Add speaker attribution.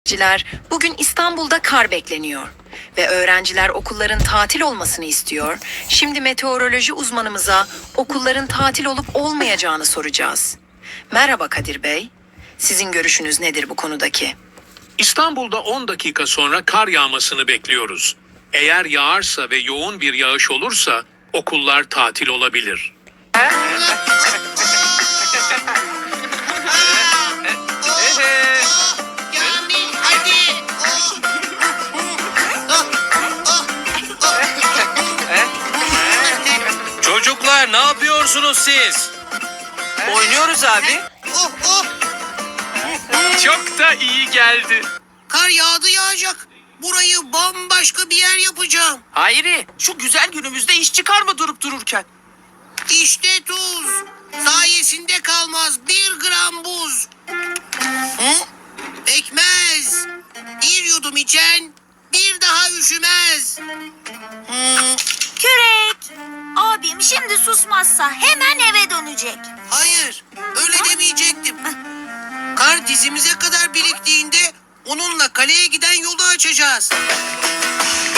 Speaker 1: Öğrenciler, bugün İstanbul'da kar bekleniyor ve öğrenciler okulların tatil olmasını istiyor. Şimdi meteoroloji uzmanımıza okulların tatil olup olmayacağını soracağız. Merhaba Kadir Bey. Sizin görüşünüz nedir bu konudaki?
Speaker 2: İstanbul'da 10 dakika sonra kar yağmasını bekliyoruz. Eğer yağarsa ve yoğun bir yağış olursa okullar tatil olabilir.
Speaker 3: Kamil hadi.
Speaker 4: Çocuklar ne yapıyorsunuz siz?
Speaker 5: Oynuyoruz abi.
Speaker 3: Oh oh.
Speaker 2: Çok da iyi geldi.
Speaker 3: Kar yağdı yağacak. Burayı bambaşka bir yer yapacağım.
Speaker 5: Hayri, şu güzel günümüzde iş çıkarma durup dururken.
Speaker 3: İşte tuz. Sayesinde kalmaz 1 gram buz. Hı? Pekmez. Bir yudum içen bir daha üşümez.
Speaker 6: Kürek. Abim şimdi susmazsa hemen eve dönecek.
Speaker 3: Hayır, öyle demeyecektim. Kar dizimize kadar biriktiğinde onunla kaleye giden yolu açacağız.